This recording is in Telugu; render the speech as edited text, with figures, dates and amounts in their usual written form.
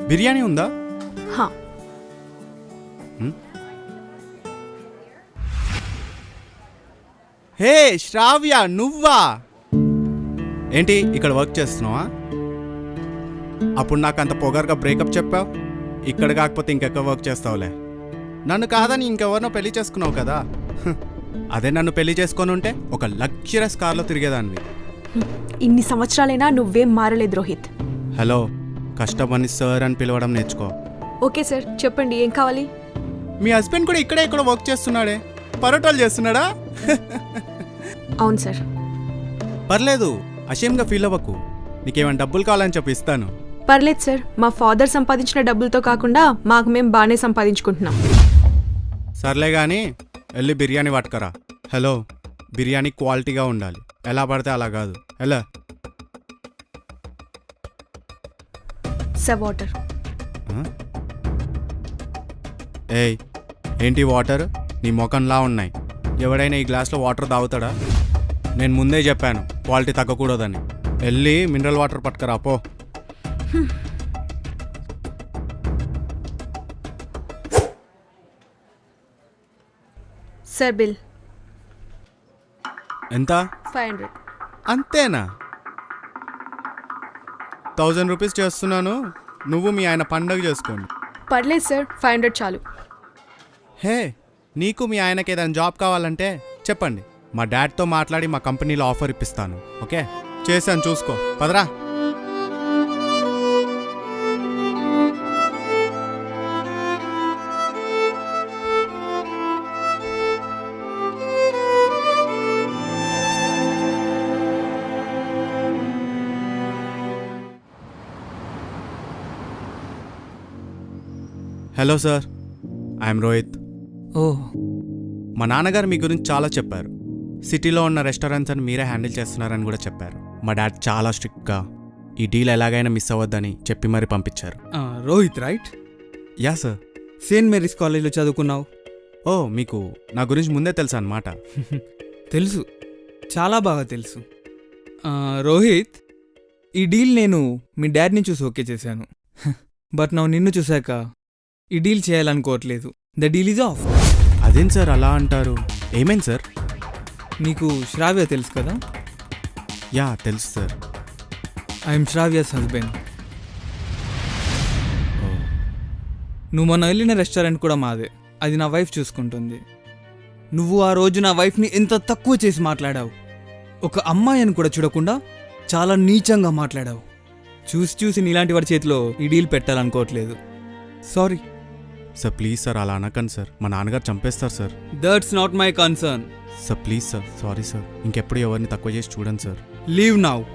బిర్యానీ ఉందా? హా. హే శ్రావ్య, నువ్వా? ఏంటి ఇక్కడ వర్క్ చేస్తున్నావా? అప్పుడు నాకు అంత పొగరుగా బ్రేకప్ చెప్పావు. ఇక్కడ కాకపోతే ఇంకెక్కడ వర్క్ చేస్తావులే. నన్ను కాదని ఇంకెవరినో పెళ్లి చేసుకున్నావు కదా. అదే నన్ను పెళ్లి చేసుకొని ఉంటే ఒక లగ్జరస్ కార్లో తిరిగేదానివి. ఇన్ని సంవత్సరాలైనా నువ్వేం మారలేదు రోహిత్. హలో, కష్టపని సార్ అని పిలవడం నేర్చుకో. ఓకే సార్, చెప్పండి ఏం కావాలి? మీ హస్బెండ్ కూడా ఇక్కడే ఇక్కడ వర్క్ చేస్తున్నాడే, పరోటాలు చేస్తున్నాడా? అవును సార్. పర్లేదు, అషేమ్గా ఫీల్ అవ్వకు. నీకేమైనా డబ్బులు కావాలని చెప్పి ఇస్తాను. పర్లేదు సార్, మా ఫాదర్ సంపాదించిన డబ్బులతో కాకుండా మాకు మేము బాగానే సంపాదించుకుంటున్నాం. సర్లే కానీ వెళ్ళి బిర్యానీ పట్టుకరా. హలో, బిర్యానీ క్వాలిటీగా ఉండాలి, ఎలా పడితే అలా కాదు. ఎలా? Sir water. ఏయ్, ఏంటి వాటర్? నీ ముఖంలా ఉన్నాయి. ఎవడైనా ఈ గ్లాస్లో వాటర్ తాగుతాడా? నేను ముందే చెప్పాను క్వాలిటీ తగ్గకూడదని. వెళ్ళి మినరల్ వాటర్ పట్టుకరా పో. సార్ బిల్ ఎంత? 500. అంతేనా? 1000 రూపీస్ చేస్తున్నాను, నువ్వు మీ ఆయన పండగ చేసుకోండి. పర్లేదు సార్, 500 చాలు. హే, నీకు మీ ఆయనకి ఏదైనా జాబ్ కావాలంటే చెప్పండి, మా డాడ్తో మాట్లాడి మా కంపెనీలో ఆఫర్ ఇప్పిస్తాను. ఓకే, చేశాను, చూసుకో. పదరా. Hello sir, I'm Rohit. ఓహ్, మా నాన్నగారు మీ గురించి చాలా చెప్పారు. సిటీలో ఉన్న రెస్టారెంట్స్ అని మీరే హ్యాండిల్ చేస్తున్నారని కూడా చెప్పారు. మా డాడ్ చాలా స్ట్రిక్ట్గా ఈ డీల్ ఎలాగైనా మిస్ అవ్వద్దని చెప్పి మరీ పంపించారు. Rohit right? Yeah sir. Saint Mary's కాలేజ్లో చదువుకున్నావు. ఓ, మీకు నా గురించి ముందే తెలుసా అన్నమాట. తెలుసు, చాలా బాగా తెలుసు. రోహిత్, ఈ డీల్ నేను మీ డాడ్ని చూసి ఓకే చేశాను. బట్ నా నిన్ను చూశాక ఈ డీల్ చేయాలనుకోవట్లేదు. The deal is off. అదేం సార్ అలా అంటారు? ఏమైంది సార్? నీకు శ్రావ్య తెలుసు కదా? యా తెలుసు సార్. I'm Sravya's husband. నువ్వు మొన్న వెళ్ళిన రెస్టారెంట్ కూడా మాదే. అది నా వైఫ్ చూసుకుంటుంది. నువ్వు ఆ రోజు నా వైఫ్ని ఎంత తక్కువ చేసి మాట్లాడావు. ఒక అమ్మాయి అని కూడా చూడకుండా చాలా నీచంగా మాట్లాడావు. చూసి నీలాంటి వాడి చేతిలో ఈ డీల్ పెట్టాలనుకోవట్లేదు. Sorry sir. ప్లీజ్ సార్, అలా అనకండి సార్, మా నాన్నగారు చంపేస్తారు sir. That's not my concern. Sir please sir, sorry sir. ఇంకెప్పుడు ఎవరిని తక్కువ చేసి చూడండి సార్. Leave now.